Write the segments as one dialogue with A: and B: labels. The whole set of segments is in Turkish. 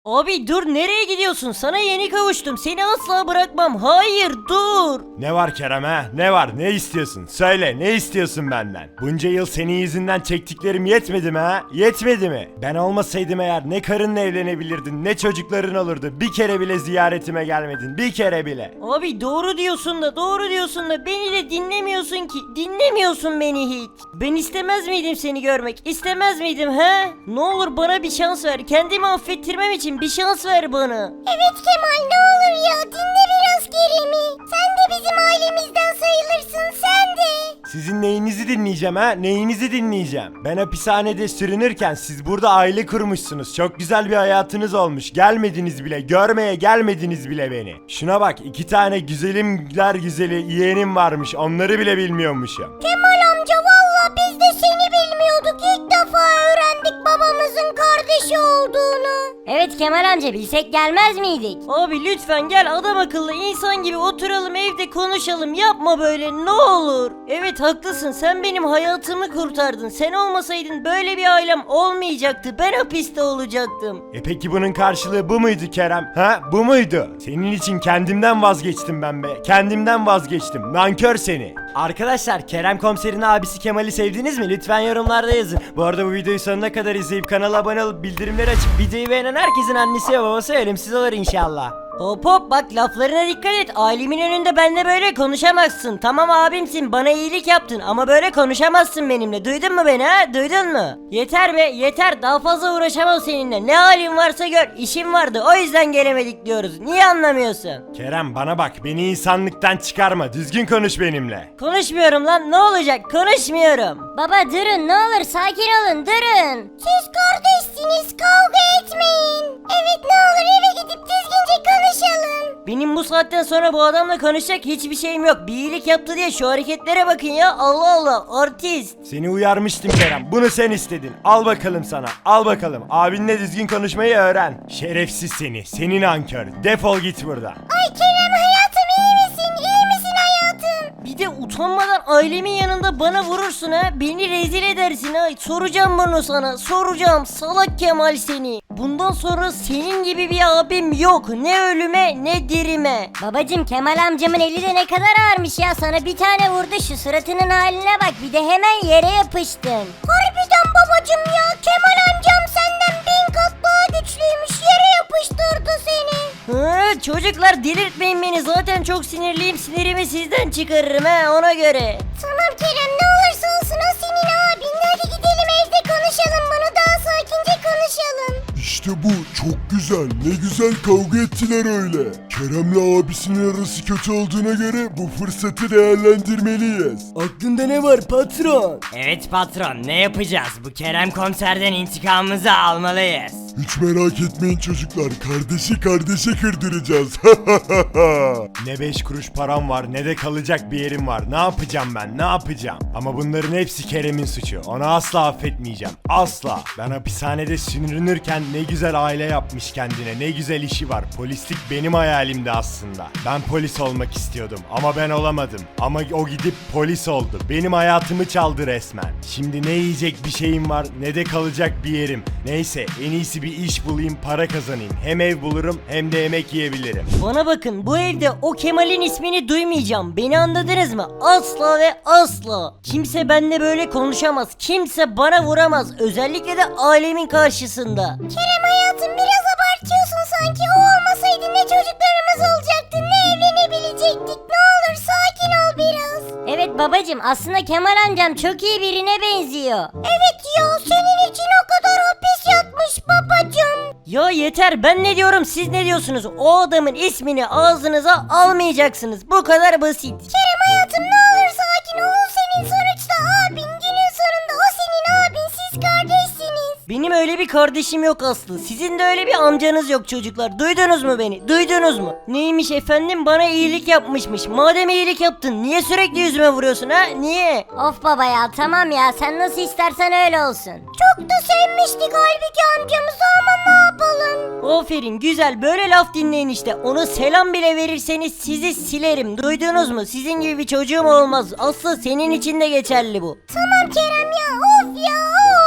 A: Abi dur, nereye gidiyorsun? Sana yeni kavuştum. Seni asla bırakmam. Hayır, dur.
B: Ne var Kerem ha? Ne var? Ne istiyorsun? Söyle, ne istiyorsun benden? Bunca yıl senin yüzünden çektiklerim yetmedi mi ha? Yetmedi mi? Ben olmasaydım eğer ne karınla evlenebilirdin, ne çocukların olurdu. Bir kere bile ziyaretime gelmedin. Bir kere bile.
A: Abi doğru diyorsun da beni de dinlemiyorsun ki. Dinlemiyorsun beni hiç. Ben istemez miydim seni görmek? İstemez miydim he? Ne olur bana bir şans ver. Kendimi affettirmem için bir şans ver bana.
C: Evet Kemal, ne olur ya, dinle biraz Kerem'i. Sen de bizim ailemizden sayılırsın, sen de.
B: Sizin neyinizi dinleyeceğim ha? Neyinizi dinleyeceğim? Ben hapishanede sürünürken siz burada aile kurmuşsunuz. Çok güzel bir hayatınız olmuş. Gelmediniz bile. Görmeye gelmediniz bile beni. Şuna bak, 2 tane güzelimler güzeli yeğenim varmış. Onları bile bilmiyormuşum.
C: Kemal amca, valla biz de seni bilmiyorduk. İlk defa öğrendik babamızın kardeşi olduğunu. Evet Kemal amca, bilsek gelmez miydik?
A: Abi lütfen gel, adam akıllı insan gibi oturalım evde konuşalım. Yapma böyle, ne olur. Evet haklısın, sen benim hayatımı kurtardın. Sen olmasaydın böyle bir ailem olmayacaktı. Ben hapiste olacaktım.
B: Peki bunun karşılığı bu muydu Kerem? Ha? Bu muydu? Senin için kendimden vazgeçtim ben be. Kendimden vazgeçtim. Nankör seni. Arkadaşlar, Kerem Komiser'in abisi Kemal'i sevdiniz mi? Lütfen yorumlarda yazın. Bu arada bu videoyu sonuna kadar izleyip kanala abone olup bildirimleri açıp videoyu beğenen herkesin annesi ve babası ölümsüz olur inşallah.
A: Hop hop, bak laflarına dikkat et. Ailemin önünde benimle böyle konuşamazsın. Tamam abimsin, bana iyilik yaptın ama böyle konuşamazsın benimle. Duydun mu beni ha? Duydun mu? Yeter be yeter, daha fazla uğraşamam seninle. Ne halin varsa gör, işim vardı o yüzden gelemedik diyoruz. Niye anlamıyorsun?
B: Kerem bana bak, beni insanlıktan çıkarma. Düzgün konuş benimle.
A: Konuşmuyorum lan, ne olacak? Konuşmuyorum.
C: Baba durun, ne olur sakin olun, durun. Siz kardeşsiniz, kavga etmeyin. Evet, ne olur eve gidip düzgünce konuşalım.
A: Benim bu saatten sonra bu adamla konuşacak hiçbir şeyim yok. Bir iyilik yaptı diye şu hareketlere bakın ya. Allah Allah, artist.
B: Seni uyarmıştım Kerem. Bunu sen istedin. Al bakalım sana. Al bakalım. Abinle düzgün konuşmayı öğren. Şerefsiz seni. Senin nankör. Defol git buradan.
C: Ay Kerem hayatım, iyi misin? İyi misin hayatım?
A: Bir de utanmadan ailemin yanında bana vurursun ha. Beni rezil edersin ha. Soracağım bunu sana. Soracağım. Salak Kemal seni. Bundan sonra senin gibi bir abim yok. Ne ölüme ne dirime.
C: Babacım, Kemal amcamın eli de ne kadar ağırmış ya, sana bir tane vurdu, şu suratının haline bak, bir de hemen yere yapıştın. Harbiden babacım ya, Kemal amcam senden 1000 kat daha güçlüymüş, yere yapıştırdı seni.
A: Ha, çocuklar delirtmeyin beni. Zaten çok sinirliyim. Sinirimi sizden çıkarırım ha, ona göre.
C: Tamam Kerem, ne olursa olsun o senin abin, hadi gidelim evde konuşalım bunu, daha sakince konuşalım.
D: İşte bu çok güzel. Ne güzel kavga ettiler öyle. Kerem'le abisinin arası kötü olduğuna göre bu fırsatı değerlendirmeliyiz.
E: Aklında ne var patron?
F: Evet patron, ne yapacağız? Bu Kerem Komiser'den intikamımızı almalıyız.
D: Hiç merak etmeyin çocuklar. Kardeşi kardeşe kırdıracağız.
B: Ne 5 kuruş param var ne de kalacak bir yerim var. Ne yapacağım ben? Ne yapacağım? Ama bunların hepsi Kerem'in suçu. Onu asla affetmeyeceğim. Asla. Ben hapishanede sürünürken ne güzel aile yapmış kendine. Ne güzel işi var. Polislik benim hayalimdi aslında. Ben polis olmak istiyordum ama ben olamadım. Ama o gidip polis oldu. Benim hayatımı çaldı resmen. Şimdi ne yiyecek bir şeyim var ne de kalacak bir yerim. Neyse, en iyisi bir iş bulayım, para kazanayım. Hem ev bulurum hem de yemek yiyebilirim.
A: Bana bakın, bu evde o Kemal'in ismini duymayacağım. Beni anladınız mı? Asla ve asla. Kimse benimle böyle konuşamaz. Kimse bana vuramaz. Özellikle de ailemin karşısında.
C: Kerem hayatım, biraz abartıyorsun sanki, o olmasaydı ne çocuklarımız olacaktı, ne evlenebilecektik, ne olur sakin ol biraz. Evet babacım, aslında Kemal amcam çok iyi birine benziyor. Evet ya, senin için o kadar hapis yatmış babacım.
A: Ya yeter, ben ne diyorum siz ne diyorsunuz? O adamın ismini ağzınıza almayacaksınız. Bu kadar basit.
C: Kerem hayatım, ne olur sakin ol, o senin sonuçta abin, günün sonunda o senin abin, siz kardeşsiniz.
A: Benim öyle bir kardeşim yok Aslı. Sizin de öyle bir amcanız yok çocuklar. Duydunuz mu beni? Duydunuz mu? Neymiş efendim, bana iyilik yapmışmış. Madem iyilik yaptın niye sürekli yüzüme vuruyorsun ha? Niye?
C: Of baba ya, tamam ya, sen nasıl istersen öyle olsun. Çok da sevmiştik halbuki amcamızı, ama ne yapalım?
A: Aferin, güzel, böyle laf dinleyin işte. Ona selam bile verirseniz sizi silerim. Duydunuz mu? Sizin gibi bir çocuğum olmaz. Aslı senin için de geçerli bu.
C: Tamam Kerem ya, of ya of.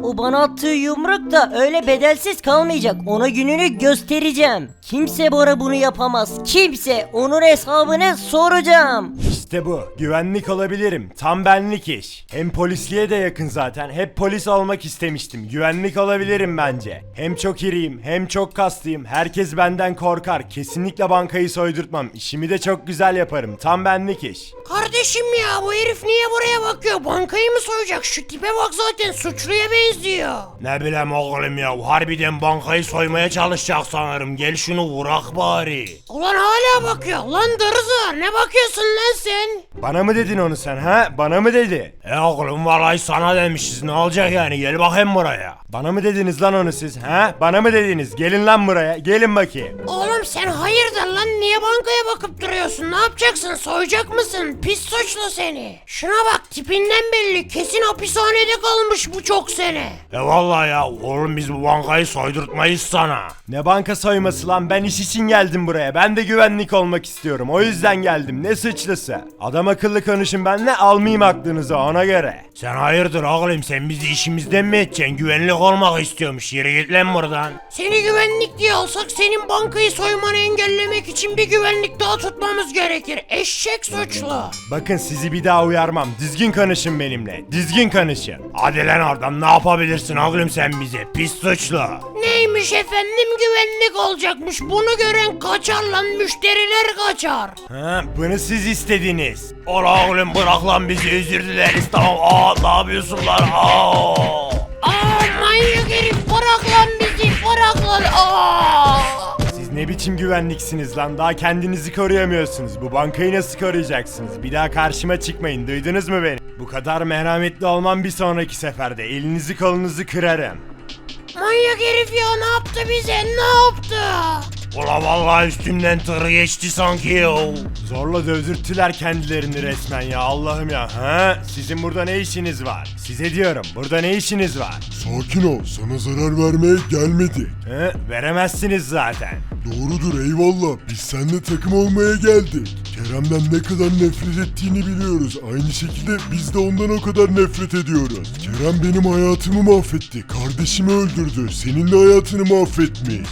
A: O bana attığı yumruk da öyle bedelsiz kalmayacak. Ona gününü göstereceğim. Kimse bana bunu yapamaz. Kimse. Onun hesabını soracağım.
B: İşte bu. Güvenlik olabilirim. Tam benlik iş. Hem polisliğe de yakın zaten. Hep polis olmak istemiştim. Güvenlik olabilirim bence. Hem çok iriyim hem çok kaslıyım. Herkes benden korkar. Kesinlikle bankayı soydurtmam. İşimi de çok güzel yaparım. Tam benlik iş.
G: Kardeşim ya bu herif niye buraya bakıyor? Bankayı mı soyacak? Şu tipe bak zaten suçluya benziyor.
B: Ne bileyim oğlum ya. Harbiden bankayı soymaya çalışacak sanırım. Gel şunu vurak bari.
G: Ulan hala bakıyor. Lan dırızı ne bakıyorsun lan sen?
B: Bana mı dedin onu sen ha? Bana mı dedi? Oğlum vallahi sana demişiz. Ne olacak yani? Gel bakayım buraya. Bana mı dediniz lan onu siz ha? Bana mı dediniz? Gelin lan buraya. Gelin bakayım.
G: Oğlum sen hayırdır lan niye bankaya bakıp duruyorsun? Ne yapacaksın? Soyacak mısın? Pis suçlu seni. Şuna bak tipinden belli. Kesin hapishanede kalmış bu çok sene.
B: Vallahi ya oğlum biz bu bankayı soydurtmayız sana. Ne banka soyması lan, ben iş için geldim buraya. Ben de güvenlik olmak istiyorum. O yüzden geldim. Ne suçlusu? Adam akıllı konuşun benimle, almayayım aklınızı ona göre. Sen hayırdır oğlum, sen bizi işimizden mi edeceksin? Güvenlik olmak istiyormuş. Yürü git lan buradan.
G: Seni güvenlik diye alsak senin bankayı soymanı engellemek için bir güvenlik daha tutmamız gerekir. Eşek suçlu.
B: Bakın sizi bir daha uyarmam. Düzgün konuşun benimle. Düzgün konuşun. Hadi lan oradan, ne yapabilirsin oğlum sen bize? Pis suçlu.
G: Neymiş efendim güvenlik olacakmış. Bunu gören kaçar lan müşteriler kaçar.
B: Ha, bunu siz istediniz. Ola oğlum bırak lan bizi, özür dileriz tamam. Ne yapıyorsun lan?
G: Manyak herif bırak lan bizi bırak lan.
B: Siz ne biçim güvenliksiniz lan? Daha kendinizi koruyamıyorsunuz. Bu bankayı nasıl koruyacaksınız? Bir daha karşıma çıkmayın. Duydunuz mu beni? Bu kadar merhametli olmam bir sonraki seferde. Elinizi kolunuzu kırarım.
G: Manyak herif ya ne yaptı bize ne yaptı?
B: Ula vallahi üstümden tır geçti sanki ya. Zorla dövdürttüler kendilerini resmen ya, Allah'ım ya. Ha? Sizin burada ne işiniz var? Size diyorum, burada ne işiniz var?
D: Sakin ol, sana zarar vermeye gelmedik.
B: Veremezsiniz zaten.
D: Doğrudur eyvallah, biz seninle takım olmaya geldik. Kerem'den ne kadar nefret ettiğini biliyoruz. Aynı şekilde biz de ondan o kadar nefret ediyoruz. Kerem benim hayatımı mahvetti. Kardeşimi öldürdü. Senin de hayatını mahvetmiş.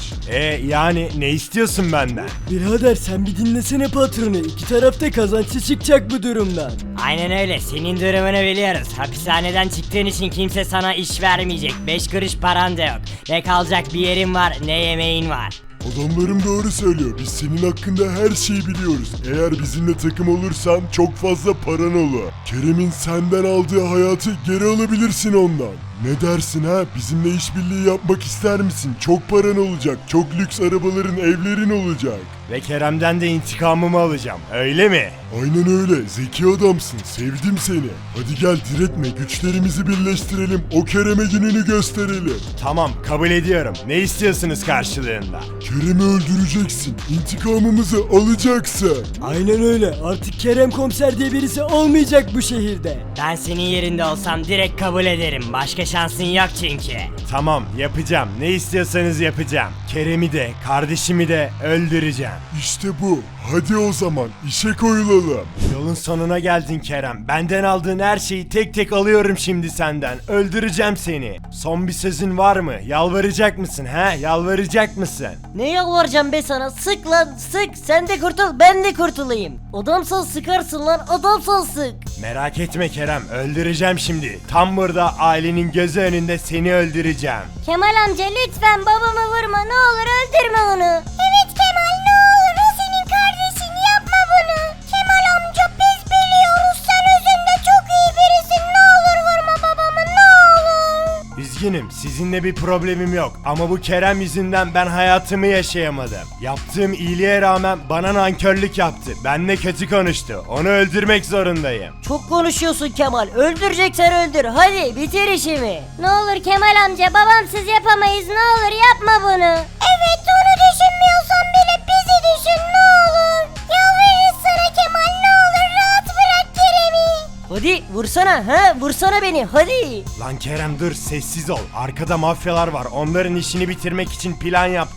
B: Yani ne istiyorsun benden?
E: Birader sen bir dinlesene patronu. İki tarafta kazançlı çıkacak bu durumdan.
F: Aynen öyle, senin durumunu biliyoruz. Hapishaneden çıktığın için kimse sana iş vermeyecek. 5 kuruş paran da yok. Ne kalacak bir yerin var ne yemeğin var.
D: Adamlarım doğru söylüyor. Biz senin hakkında her şeyi biliyoruz. Eğer bizimle takım olursan çok fazla paran olur. Kerem'in senden aldığı hayatı geri alabilirsin ondan. Ne dersin ha? Bizimle işbirliği yapmak ister misin? Çok paran olacak. Çok lüks arabaların, evlerin olacak.
B: Ve Kerem'den de intikamımı alacağım, öyle mi?
D: Aynen öyle. Zeki adamsın. Sevdim seni. Hadi gel diretme. Güçlerimizi birleştirelim. O Kerem'e gününü gösterelim.
B: Tamam, kabul ediyorum. Ne istiyorsunuz karşılığında?
D: Kerem'i öldüreceksin. İntikamımızı alacaksın.
E: Aynen öyle. Artık Kerem komiser diye birisi olmayacak bu şehirde.
F: Ben senin yerinde olsam direkt kabul ederim. Başka şansın yok çünkü.
B: Tamam, yapacağım. Ne istiyorsanız yapacağım. Kerem'i de, kardeşimi de öldüreceğim.
D: İşte bu. Hadi o zaman işe koyulalım.
B: Yolun sonuna geldin Kerem. Benden aldığın her şeyi tek tek alıyorum şimdi senden. Öldüreceğim seni. Son bir sözün var mı? Yalvaracak mısın he? Yalvaracak mısın?
A: Ne yalvaracağım be sana? Sık lan sık. Sen de kurtul, ben de kurtulayım. Adamsan sıkarsın lan, adamsan sık.
B: Merak etme Kerem. Öldüreceğim şimdi. Tam burada ailenin gözü önünde seni öldüreceğim.
C: Kemal amca lütfen babamı vurma ne olur öldürme onu. Evet Kemal ne olur o senin kardeşin yapma bunu. Kemal amca biz biliyoruz sen özünde çok iyi birisin ne olur vurma babamı ne olur.
B: Üzgünüm, sizinle bir problemim yok ama bu Kerem yüzünden ben hayatımı yaşayamadım. Yaptığım iyiliğe rağmen bana nankörlük yaptı. Benimle kötü konuştu. Onu öldürmek zorundayım.
A: Çok konuşuyorsun Kemal. Öldüreceksen öldür. Hadi bitir işimi.
C: Ne olur Kemal amca babamsız yapamayız ne olur yapma bunu. Evet onu düşünmüyorsan bile bizi düşün ne olur. Yalvarırız sana Kemal ne olur rahat bırak Kerem'i.
A: Hadi vursana ha, vursana beni hadi.
B: Lan Kerem dur, sessiz ol. Arkada mafyalar var. Onların işini bitirmek için plan yaptım.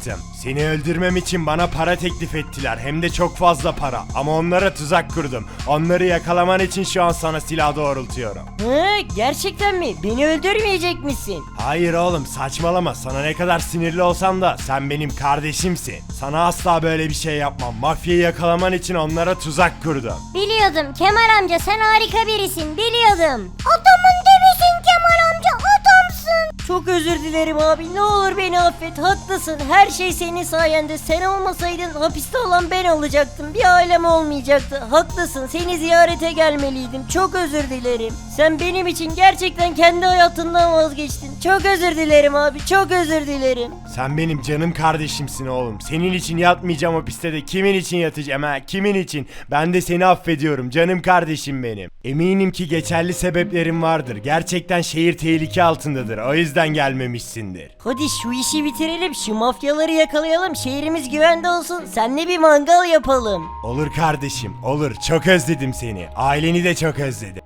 B: Seni öldürmem için bana para teklif ettiler. Hem de çok fazla para. Ama onlara tuzak kurdum. Onları yakalaman için şu an sana silah doğrultuyorum.
A: Hı, gerçekten mi? Beni öldürmeyecek misin?
B: Hayır oğlum, saçmalama. Sana ne kadar sinirli olsam da sen benim kardeşimsin. Sana asla böyle bir şey yapmam. Mafyayı yakalaman için onlara tuzak kurdum.
C: Biliyordum Kemal amca, sen harika birisin, biliyordum. Adamın dibisin Kemal amca, adamsın.
A: Çok özür dilerim abi. Ne olur beni affet. Haklısın. Her şey senin sayende. Sen olmasaydın hapiste olan ben olacaktım. Bir ailem olmayacaktı. Haklısın. Seni ziyarete gelmeliydim. Çok özür dilerim. Sen benim için gerçekten kendi hayatından vazgeçtin. Çok özür dilerim abi. Çok özür dilerim.
B: Sen benim canım kardeşimsin oğlum. Senin için yatmayacağım hapiste de kimin için yatacağım ha? Kimin için? Ben de seni affediyorum canım kardeşim benim. Eminim ki geçerli sebeplerim vardır. Gerçekten şehir tehlike altındadır. O yüzden gelmemişsindir.
A: Hadi şu işi bitirelim. Şu mafyaları yakalayalım. Şehrimiz güvende olsun. Seninle bir mangal yapalım.
B: Olur kardeşim, olur. Çok özledim seni. Aileni de çok özledim.